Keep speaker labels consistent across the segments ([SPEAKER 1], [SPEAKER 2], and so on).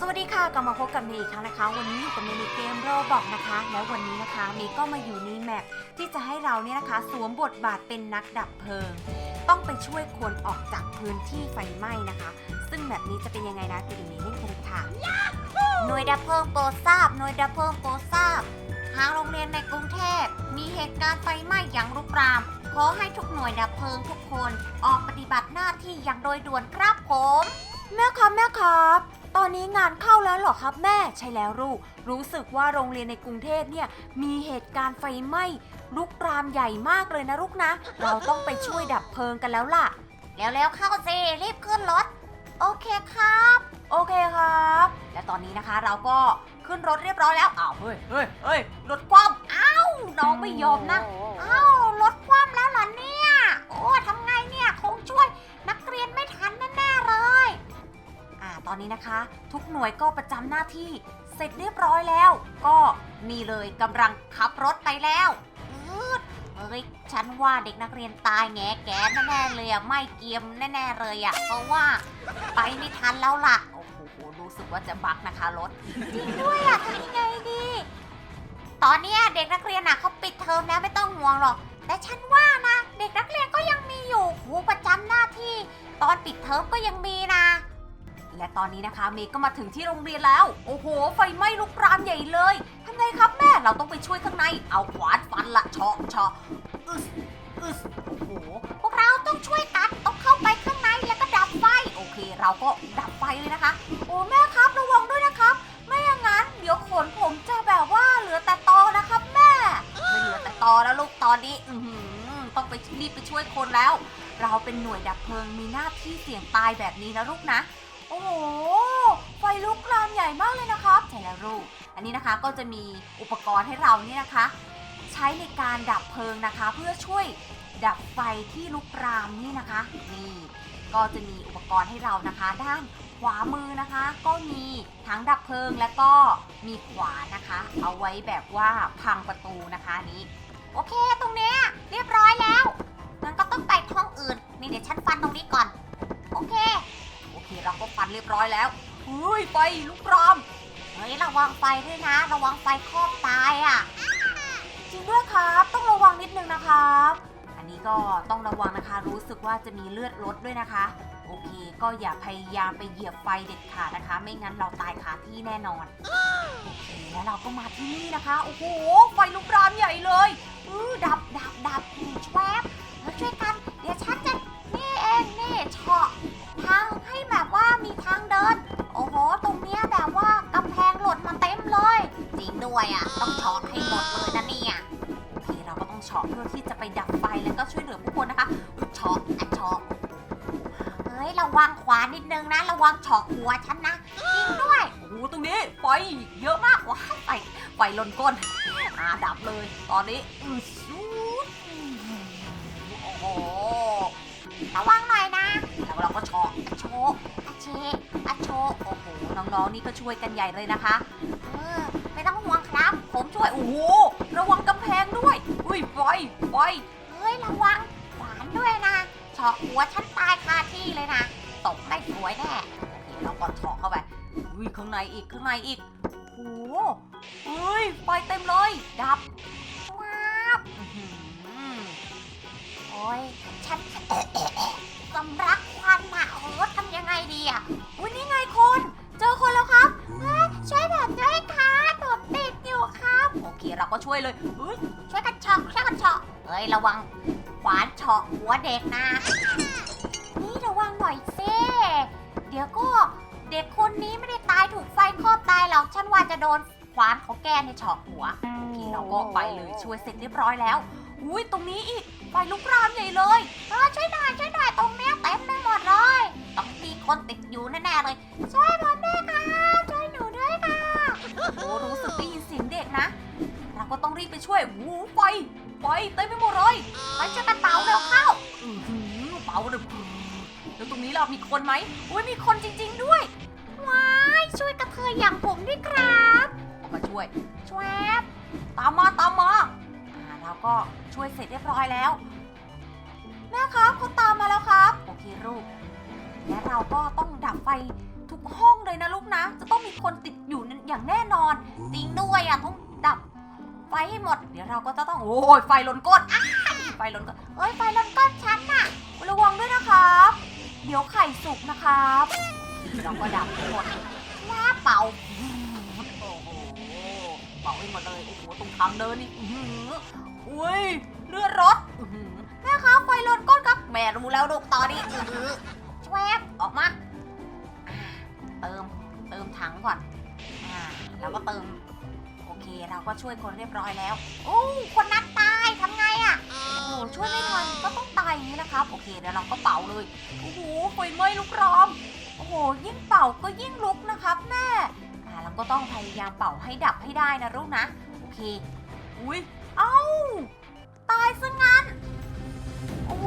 [SPEAKER 1] สวัสดีค่ะกลับมาพบกับเมย์อีกครั้งนะคะวันนี้อยู่กับเมย์ในเกมโรบอกนะคะแล้ววันนี้นะคะเมย์ก็มาอยู่ในแมปที่จะให้เราเนี่ยนะคะสวมบทบาทเป็นนักดับเพลิงต้องไปช่วยคนออกจากพื้นที่ไฟไหม้นะคะซึ่งแบบนี้จะเป็นยังไงนะไปดูในเล่นกันเลยค่ะหน่วยดับเพลิงโปรดทราบหน่วยดับเพลิงโปรดทราบทางโรงเรียนในกรุงเทพมีเหตุการณ์ไฟไหม้อย่างรุกรามขอให้ทุกหน่วยดับเพลิงทุกคนออกปฏิบัติหน้าที่อย่างโดยด่วนครับผมแม่ครับตอนนี้งานเข้าแล้วเหรอครับแม่ใช่แล้วลูกรู้สึกว่าโรงเรียนในกรุงเทพเนี่ยมีเหตุการณ์ไฟไหม้ลุกรามใหญ่มากเลยนะลูกนะเราต้องไปช่วยดับเพลิงกันแล้วล่ะแล้วเข้าสิรีบขึ้นรถโอเคครับโอเคครับและตอนนี้นะคะเราก็ขึ้นรถเรียบร้อยแล้วอ้าวเฮ้ยรถคว่ำอ้าวน้องไม่ยอมนะอ้าวรถคว่ำแล้วเหรอเนี่ยโอ้ทำไงเนี่ยคงช่วยนักเรียนไม่ทันแน่ๆเลยตอนนี้นะคะทุกหน่วยก็ประจำหน้าที่เสร็จเรียบร้อยแล้วก็นี่เลยกำลังขับรถไปแล้วเฮ้ยฉันว่าเด็กนักเรียนตายแง่แกแน่ๆเลยอะไม่เกียมแน่ๆเลยอะเพราะว่าไปไม่ทันแล้วล่ะโอ้โหรู้สึกว่าจะบักนะคะรถจริงด้วยอะทำยังไงดีตอนนี้เด็กนักเรียนอะเขาปิดเทอมแล้วไม่ต้องห่วงหรอกแต่ฉันว่านะเด็กนักเรียนก็ยังมีอยู่ครูประจำหน้าที่ตอนปิดเทอมก็ยังมีนะและตอนนี้นะคะเมย์ก็มาถึงที่โรงเรียนแล้วโอ้โหไฟไหม้ลุกรามใหญ่เลยทำไงครับแม่เราต้องไปช่วยข้างในเอาขวานฟันละเชาะอึสโอ้โหพวกเราต้องช่วยกันต้องเข้าไปข้างในแล้วก็ดับไฟโอเคเราก็ดับไฟเลยนะคะโอ้แม่ครับระวังด้วยนะครับไม่อย่างนั้นเดี๋ยวขนผมจะแบบว่าเหลือแต่ตอนะครับแม่ไม่เหลือแต่ตอแล้วลูกตอนนี้ต้องไปรีบไปช่วยคนแล้วเราเป็นหน่วยดับเพลิงมีหน้าที่เสี่ยงตายแบบนี้นะลูกนะโอ้โหไฟลุกลามใหญ่มากเลยนะครับใช่แล้วลูกอันนี้นะคะก็จะมีอุปกรณ์ให้เรานี่นะคะใช้ในการดับเพลิงนะคะเพื่อช่วยดับไฟที่ลุกรามนี่นะคะนี่ก็จะมีอุปกรณ์ให้เรานะคะด้านขวามือนะคะก็มีทั้งดับเพลิงและก็มีขวานนะคะเอาไว้แบบว่าพังประตูนะคะนี้โอเคตรงเนี้ยเรียบร้อยแล้วงั้นก็ต้องไปห้องอื่นนี่เดี๋ยวฉันฟันตรงนี้ก่อนโอเคเราก็ฟันเรียบร้อยแล้วเฮ้ยไฟลุกรามเฮ้ยระวังไฟด้วยนะระวังไฟครอบตายอ่ะจริงด้วยครับต้องระวังนิดนึงนะครับอันนี้ก็ต้องระวังนะคะรู้สึกว่าจะมีเลือดลดด้วยนะคะโอเคก็อย่าพยายามไปเหยียบไฟเด็ดขาดนะคะไม่งั้นเราตายคาที่แน่นอนโอเคแล้วเราก็มาที่นี่นะคะโอ้โหไฟลุกรามใหญ่เลยดับแชวบแล้วช่วยกันเดี๋ยวฉันจะนี่เองนี่เฉาะทางให้แบบว่ามีทางเดินโอ้โหตรงเนี้ยแบบว่ากำแพงหล่นมาเต็มเลยจริงด้วยอ่ะต้องเฉาะให้หมดเลยนะเนี่ยโอเคเราก็ต้องเฉาะเพื่อที่จะไปดับไฟแล้วก็ช่วยเหลือผู้คนนะคะเฉาะเฮ้ยระวังขวานิดนึงนะระวังเฉาะหัวฉันนะจริงด้วยโอ้โหตรงนี้ไฟเยอะมากว้าวไฟลนก้นดับเลยตอนนี้โอ้โหระวังหน่อยนะแล้วเราก็เฉาะโชว์โอ้โหน้องๆนี่ก็ช่วยกันใหญ่เลยนะคะไม่ต้องห่วงครับผมช่วยโอ้โหระวังกำแพงด้วยอุ้ยไฟเฮ้ยระวังขวานด้วยนะเฉาะหัวฉันตายคาที่เลยนะตกไม่สวยแน่โอเคเราก็เฉาะเข้าไปอุ้ยข้างในอีกโอ้โหเฮ้ยไฟเต็มเลยดับว้าวโอ้ยฉันสำลักควันอะโอ้ทำยังไงดีอะอุ้ยนี่ไงคนเจอคนแล้วครับช่วยแบบด้วยค่ะผมติดอยู่ครับโอเคเราก็ช่วยเลยช่วยกันเฉาะเฮ้ยระวังขวานเฉาะหัวเด็กนะนี่ระวังหน่อยสิเดี๋ยวก็เด็กคนนี้ไม่ได้ตายถูกไฟครอบตายหรอกฉันว่าจะโดนขวานของแกในเฉาะหัวโอเคเราก็ไปเลยช่วยเสร็จเรียบร้อยแล้วอุ้ยตรงนี้อีกไฟลุกรามใหญ่เลยช่วยหน่อยตรงเนี้ยเต็มไปหมดเลยต้องมีคนติดอยู่แน่ๆเลยช่วยผมด้วยค่ะช่วยหนูด้วยค่ะโอ้รู้สึกได้ยินเสียงเด็กนะเราก็ต้องรีบไปช่วยไฟเต็มไปหมดเลยไปช่วยกันเป่าเร็วเข้าเป่าเร็วแล้วตรงนี้เรามีคนไหมอุ้ยมีคนจริงๆด้วยว้ายช่วยกระเทยอย่างผมด้วยครับมาช่วยตามมาเราก็ช่วยเสร็จเรียบร้อยแล้วแม่ครับเขาตามมาแล้วครับโอเคลูกและเราก็ต้องดับไฟทุกห้องเลยนะลูกนะจะต้องมีอย่างแน่นอนจริงด้วยอ่ะต้องดับไฟให้หมดเดี๋ยวเราก็จะต้องโอ้ยไฟลนก้นไฟลนก้นเอ้ยไฟลนก้นฉันน่ะระวังด้วยนะครับเดี๋ยวไข่สุกนะครับเราก็ดับให้หมดแล้วเป่าโอ้โหเป่าให้หมดเลยโอ้โหตรงทางเดินนี่อุ้ยเลือดรถแม่ครับไฟลนก้นครับแม่รู้แล้วลูกตอนนี้แชวบออกมาเติมถังก่อนแล้วก็เติมโอเคเราก็ช่วยคนเรียบร้อยแล้วโอ้คนนั้นตายทำไงอ่ะโอ้ช่วยไม่ทันก็ต้องตายอย่างนี้นะครับโอเคเดี๋ยวเราก็เป่าเลยโอ้โหไฟไหม้ลุกรามโอ้โหยิ่งเป่าก็ยิ่งลุกนะครับแม่เราก็ต้องพยายามเป่าให้ดับให้ได้นะลูกนะโอเคอุ้ยเอ้าตายซะงั้นโอ้โห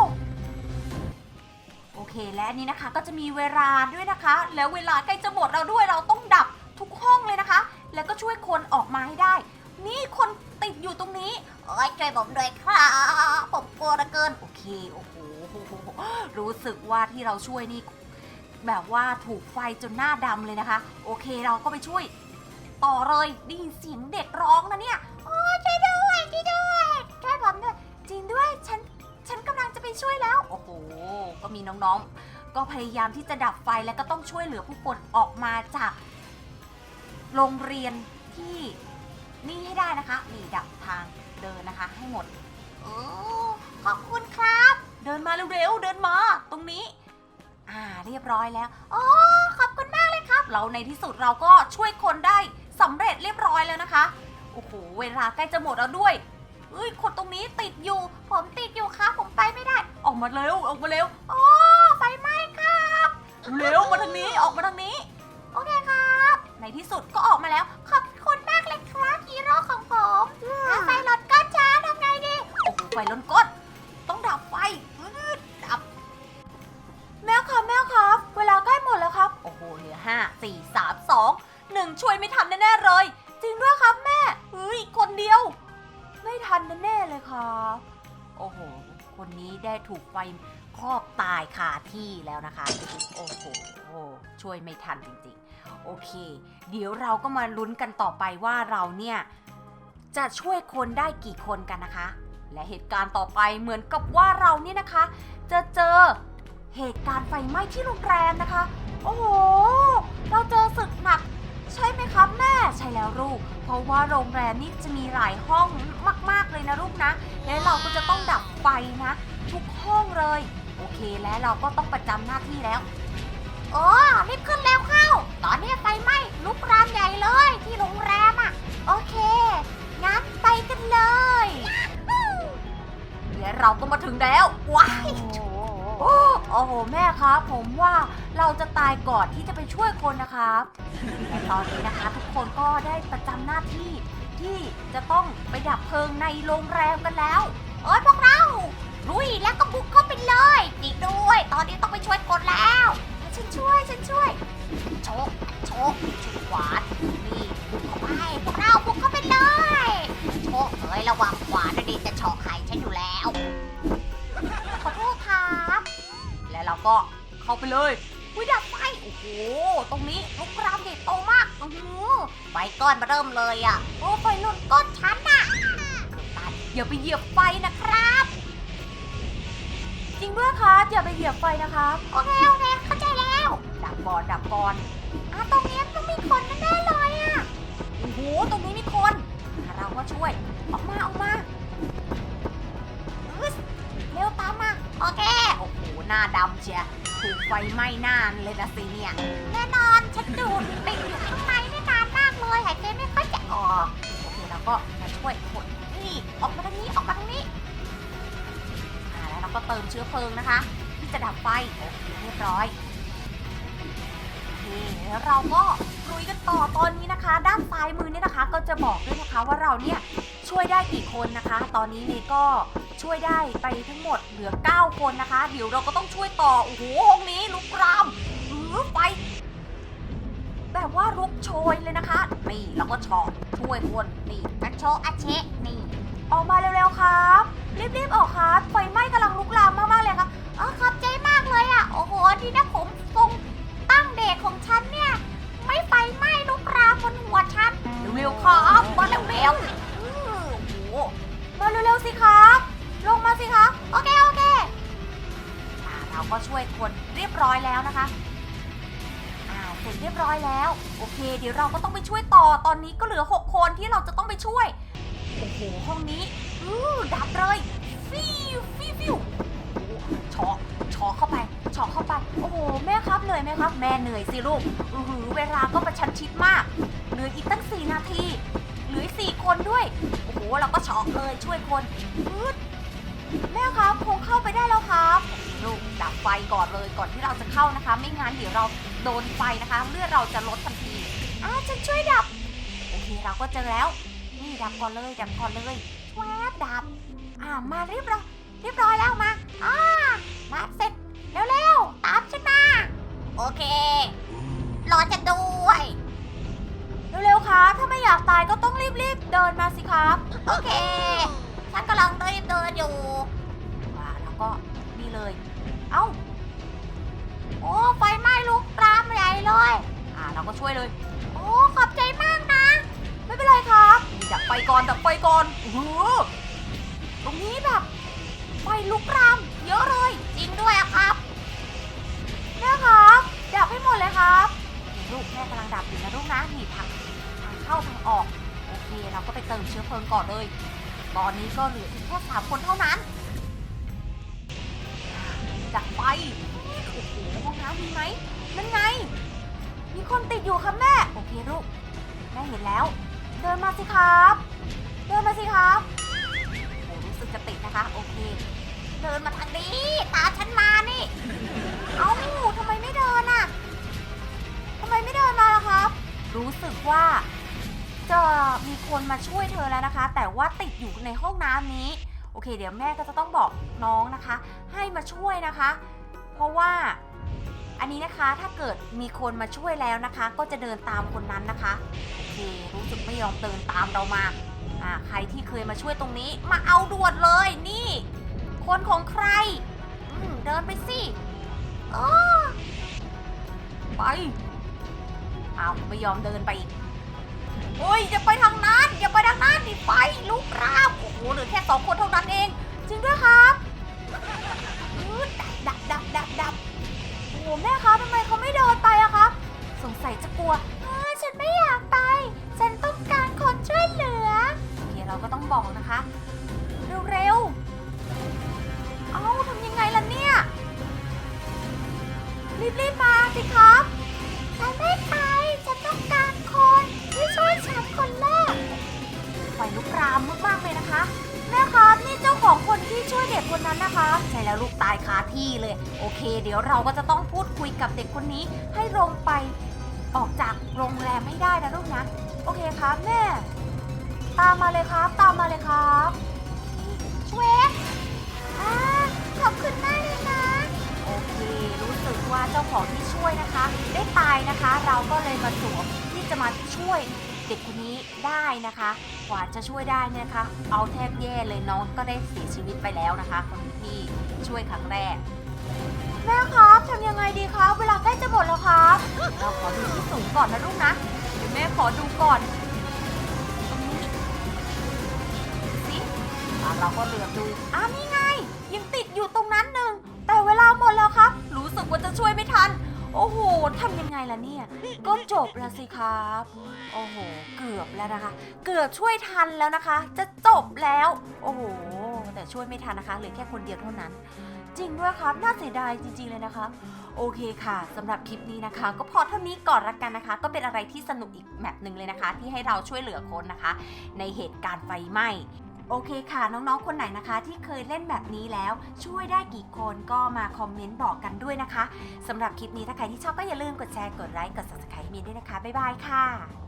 [SPEAKER 1] โอเคและนี่นะคะก็จะมีเวลาด้วยนะคะแล้วเวลาใกล้จะหมดเราด้วยเราต้องดับทุกห้องเลยนะคะแล้วก็ช่วยคนออกมาให้ได้นี่คนติดอยู่ตรงนี้เอ้ยช่วยผมด้วยครับผมกลัวเหลือเกินโอเคโอ้โหรู้สึกว่าที่เราช่วยนี่แบบว่าถูกไฟจนหน้าดำเลยนะคะโอเคเราก็ไปช่วยต่อเลยได้ยินเสียงเด็กร้องนะเนี่ยโอ้ช่วยด้วยช่วยผมด้วยจริงด้วยฉันกำลังจะไปช่วยแล้วโอ้โหก็มีน้องๆก็พยายามที่จะดับไฟแล้วก็ต้องช่วยเหลือผู้คนออกมาจากโรงเรียนที่นี่ให้ได้นะคะนี่ดับทางเดินนะคะให้หมดขอบคุณครับเดินมาเร็วๆเดินมาตรงนี้เรียบร้อยแล้วโอ้ขอบคุณมากเลยครับเราในที่สุดเราก็ช่วยคนได้สำเร็จเรียบร้อยแล้วนะคะโอ้โหเวลาใกล้จะหมดแล้วด้วยคนตรงนี้ติดอยู่ผมติดอยู่ครับผมไปไม่ได้ออกมาเร็วโอ้ไฟไหม้ครับเร็วมาทางนี้ออกมาทางนี้โอเคครับในที่สุดก็ออกมาแล้วขอบคุณมากเลยครับฮีโร่ของผมไฟลนก้นช้าทำไงดีโอ้โหไฟลนก้นต้องดับไฟดับแม่ครับเวลาใกล้หมดแล้วครับโอ้โหเหลือ5 4 3 2 1ช่วยไม่ทันแน่ๆเลยจริงด้วยครับแม่คนเดียวไม่ทันแน่ๆเลยครับโอ้โหคนนี้ได้ถูกไฟครอบตายคาที่แล้วนะคะโอ้โหช่วยไม่ทันจริงๆโอเคเดี๋ยวเราก็มาลุ้นกันต่อไปว่าเราเนี่ยจะช่วยคนได้กี่คนกันนะคะและเหตุการณ์ต่อไปเหมือนกับว่าเราเนี่ยนะคะจะเจอเหตุการณ์ไฟไหม้ที่โรงแรมนะคะโอ้โหเราเจอศึกหนักใช่ไหมครับแม่ใช่แล้วลูกเพราะว่าโรงแรมนี่จะมีหลายห้องมากๆเลยนะลูกนะและเราก็จะต้องดับไฟนะทุกห้องเลยโอเคและเราก็ต้องประจำหน้าที่แล้วรีบขึ้นแล้วเข้าตอนนี้ไฟไหม้ลุกรามใหญ่เลยที่โรงแรมโอเคงั้นไปกันเลยเดี๋ยวเราก็มาถึงแล้วว้ายโอ้โหแม่ครับผมว่าเราจะตายก่อนที่จะไปช่วยคนนะครับแต่ตอนนี้นะคะทุกคนก็ได้ประจำหน้าที่ที่จะต้องไปดับเพลิงในโรงแรมกันแล้วพวกเราลุยแล้วก็บุกเข้าไปเลยจริงด้วยตอนนี้ต้องไปช่วยคนแล้วฉันช่วยโชกขวานนี่บุกเข้าไปพวกเราบุกเข้าไปเลยโชกระวังขวานนะดิจะเฉาะไข่ฉันอยู่แล้วขอโทษครับแล้วเราก็เข้าไปเลยดับไฟโอ้โหตรงนี้ลุกรามใหญ่โตมากไฟก้อนมาเริ่มเลยไฟลุกก้นฉันอย่าไปเหยียบไฟนะครับจริงด้วยครับอย่าไปเหยียบไฟนะครับโอเคเข้าใจแล้วดับก่อนตรงนี้ต้องมีคนแน่ๆเลยโอ้โหตรงนี้มีคนเราก็ช่วยออกมาเร็วตามมาโอเคโอ้โหหน้าดำเชียถูกไฟไหม้หน้าเลยนะสิเนี่ยแน่นอนฉันดูดติดอยู่ข้างในนี่นานมากเลยหายใจไม่ค่อยจะออกโอเคเราก็มาช่วยคนนี่ออกมาทางนี้แล้วเราก็เติมเชื้อเพลิงนะคะที่จะดับไฟโอเคเรียบร้อยโอเคแล้วเราก็ลุยกันต่อตอนนี้นะคะด้านซ้ายมือเนี่ยนะคะก็จะบอกด้วยนะคะว่าเราเนี่ยช่วยได้กี่คนนะคะตอนนี้นี่ก็ช่วยได้ไปทั้งหมดเหลือ9คนนะคะเดี๋ยวเราก็ต้องช่วยต่อโอ้โหห้องนี้ลุกรามไฟแบบว่าลุกโชยเลยนะคะนี่เราก็ช่วยคนนี่อัชเชะนี่ออกมาเร็วๆครับรีบออกครับไฟไหม้กำลังลุกลามมากๆเลยครับขอบใจมากเลยโอ้โหที่นะผมทรงตั้งเด็กของฉันเนี่ยไม่ไฟไหม้ลุกรามบนร้อยแล้วนะคะเสร็จเรียบร้อยแล้วโอเคเดี๋ยวเราก็ต้องไปช่วยต่อตอนนี้ก็เหลือ6คนที่เราจะต้องไปช่วยโอ้โหห้องนี้ดับเลยฟิวฟิวฟิวช็อเข้าไปโอ้โหแม่ครับเหนื่อยไหมครับแม่เหนื่อยสิลูกเวลาก็ประชันชิดมากเหลืออีกตั้ง4 นาทีเหลือ4 คนด้วยโอ้โหเราก็ช็อกเลยช่วยคนแม่ครับคงเข้าไปได้แล้วครับลูกดับไฟก่อนเลยก่อนที่เราจะเข้านะคะไม่งั้นเดี๋ยวเราโดนไฟนะคะเลือดเราจะลดทันทีฉันช่วยดับโอเคเราก็เจอแล้วนี่ดับก่อนเลยแวบดับมาเรียบร้อยแล้วมาเสร็จเร็วตามฉันมาโอเครอจะด้วยเร็วๆครับถ้าไม่อยากตายก็ต้องรีบเดินมาสิครับโอเคฉันกำลังรีบเดินอยู่แล้วก็นี่เลยโอ้ไฟไหม้ลุกลามใหญ่เลยเราก็ช่วยเลยโอ้ขอบใจมากนะไม่เป็นไรครับดับไฟก่อนตรงนี้แบบไฟลุกลามเยอะเลยจริงด้วยครับแม่ครับดับให้หมดเลยครับลูกแม่กำลังดับอยู่นะลูกนะนี่ทางเข้าทางออกโอเคเราก็ไปเติมเชื้อเพลิงก่อนเลยตอนนี้ก็เหลืออีกแค่3 คนเท่านั้นดับไฟโอ้โหห้องน้ำมีไหมนั่นไงมีคนติดอยู่ครับแม่โอเคลูกแม่เห็นแล้วเดินมาสิครับโอ้รู้สึกจะติดนะคะโอเคเดินมาทางนี้ตามฉันมานี่ทำไมไม่เดินมาล่ะครับรู้สึกว่าจะมีคนมาช่วยเธอแล้วนะคะแต่ว่าติดอยู่ในห้องน้ำนี้โอเคเดี๋ยวแม่ก็จะต้องบอกน้องนะคะให้มาช่วยนะคะเพราะว่าอันนี้นะคะถ้าเกิดมีคนมาช่วยแล้วนะคะก็จะเดินตามคนนั้นนะคะโอเครู้สึกไม่ยอมเดินตามเรามาใครที่เคยมาช่วยตรงนี้มาเอาด่วนเลยนี่คนของใครเดินไปสิไปไม่ยอมเดินไปอีกโอ้ยอย่าไปทางนั้นนี่ไฟลุกรามโอ้โหเหลือแค่2 คนเท่านั้นเองจริงด้วยครับดับโอ้แม่ครับทำไมเขาไม่เดินไปอะครับสงสัยจะกลัวฉันไม่อยากไปฉันต้องการคนช่วยเหลือโอเคเราก็ต้องบอกนะคะเร็วทำยังไงล่ะเนี่ยรีบมาสิครับฉันไม่ไปฉันต้องการคนที่ช่วยฉันคนแรกไฟลุกรามมากๆเลยนะคะแม่ครับนี่เจ้าของคนที่ช่วยเด็กคนนั้นนะคะใช่แล้วลูกตายคาที่เลยโอเคเดี๋ยวเราก็จะต้องพูดคุยกับเด็กคนนี้ให้ลงไปออกจากโรงแรมไม่ได้นะลูกนะโอเคครับแม่ตามมาเลยครับช่วยขอบคุณมากเลยนะโอเครู้สึกว่าเจ้าของที่ช่วยนะคะได้ตายนะคะเราก็เลยมาสวมที่จะมาช่วยเด็กคนนี้ได้นะคะกว่าจะช่วยได้เนี่ยนะคะเอาแทบแย่เลยน้องก็ได้เสียชีวิตไปแล้วนะคะคนที่ช่วยครั้งแรกแม่ครับทำยังไงดีครับเวลาใกล้จะหมดแล้วครับเราขอดูที่สูงก่อนนะลูกนะเดี๋ยวแม่ขอดูก่อนตรงนี้สิเราก็เหลือบดูนี่ไงยังติดอยู่ตรงนั้นหนึ่งแต่เวลาหมดแล้วครับรู้สึกว่าจะช่วยไม่ทันโอ้โหทำยังไงล่ะเนี่ยก็จบแล้วสิครับโอ้โหเกือบแล้วนะคะเกือบช่วยทันแล้วนะคะจะจบแล้วโอ้โหแต่ช่วยไม่ทันนะคะเหลือแค่คนเดียวเท่านั้นจริงด้วยครับน่าเสียดายจริงๆเลยนะคะโอเคค่ะสำหรับคลิปนี้นะคะก็พอเท่านี้ก่อนละกันนะคะก็เป็นอะไรที่สนุกอีกแมปหนึ่งเลยนะคะที่ให้เราช่วยเหลือคนนะคะในเหตุการณ์ไฟไหม้โอเคค่ะน้องๆคนไหนนะคะที่เคยเล่นแบบนี้แล้วช่วยได้กี่คนก็มาคอมเมนต์บอกกันด้วยนะคะสำหรับคลิปนี้ถ้าใครที่ชอบก็อย่าลืมกดแชร์กดไลค์กด Subscribe ให้มีด้วยนะคะบ๊ายบายค่ะ